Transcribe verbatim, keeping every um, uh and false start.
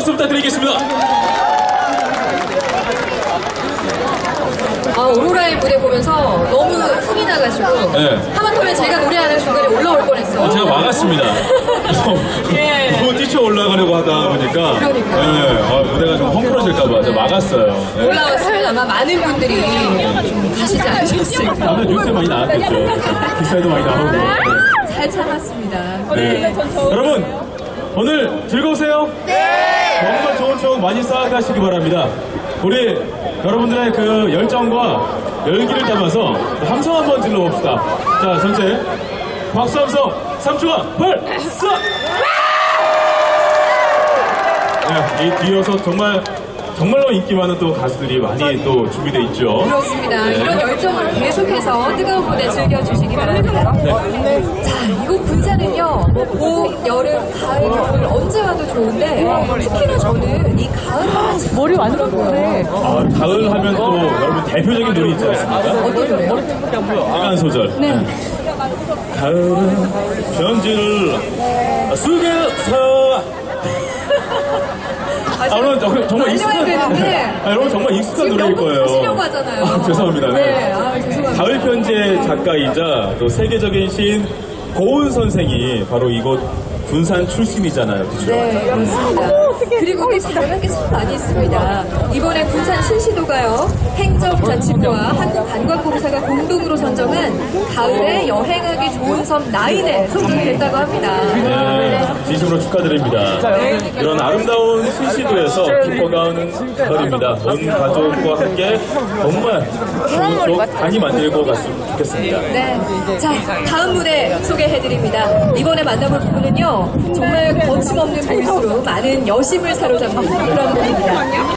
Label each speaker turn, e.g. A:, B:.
A: 박수 부탁드리겠습니다.
B: 아, 오로라의 무대 보면서 너무 흥이 나가지고
A: 네.
B: 하마터면 제가 노래하는 중간에 올라올 뻔했어요.
A: 어, 제가 막았습니다.
B: 예.
A: 너무 뛰쳐 올라가려고 하다 보니까
B: 그러니까요.
A: 네, 아, 무대가 좀 헝클어질까봐 제가 막았어요. 네.
B: 올라왔으면 아마 많은 분들이 좀 가시지 않으셨을까.
A: 다음에 뉴스에 많이 나왔겠죠. 기사에도 많이 나오고. 네.
B: 잘 참았습니다.
A: 네. 여러분 오늘 즐거우세요? 네. 정말 좋은 추억 많이 쌓아가시기 바랍니다. 우리 여러분들의 그 열정과 열기를 담아서 함성 한번 질러봅시다. 자, 전체 박수 함성 삼 초간 발사! 네, 이 뒤에서 정말 정말로 인기 많은 또 가수들이 많이 또 준비되어 있죠.
B: 그렇습니다.
A: 네.
B: 이런 열정으로 계속해서 뜨거운 무대 즐겨주시기 바랍니다.
A: 네.
B: 자, 이곳 군산은요, 봄, 여름, 가을, 겨울 언제 와도 좋은데 특히나 저는 이 가을 하면 머리 완전 그래.
A: 아, 가을 하면 또 여러분 대표적인 노래 있지 않습니까?
B: 어떤 노래요?
A: 빨간 소절.
B: 네.
A: 가을은 편지를 쓰겠어. 아, 여러분 저- 정말 익숙한
B: 되는데.
A: 아, 여러분 정말 익숙한
B: 지금
A: 노래일
B: 너무
A: 거예요.
B: 하시려고 하잖아요.
A: 아, 죄송합니다. 네.
B: 네, 아, 죄송합니다.
A: 가을 편지의 작가이자 또 세계적인 시인 고은 선생이 바로 이곳 군산 출신이잖아요. 그죠?
B: 네, 그렇습니다. 그리고 또 잘하는 게 참 많이 있습니다. 이번에 군산 신시도가요, 행정자치부와 한국관광공사가 공동으로 선정한 가을에 여행하기 좋은 섬 나인에 선정됐다고 합니다.
A: 네, 진심으로 축하드립니다. 이런 아름다운 신시도에서 깊어가는 가을입니다. 온 가족과 함께 정말 좋은 추억 많이 만들고 갔으면 좋겠습니다.
B: 네. 자, 다음 무대 소개해드립니다. 이번에 만나볼 분은요, 정말 거침없는 보이스로 많은 여심을 사로잡는 그런 분입니다.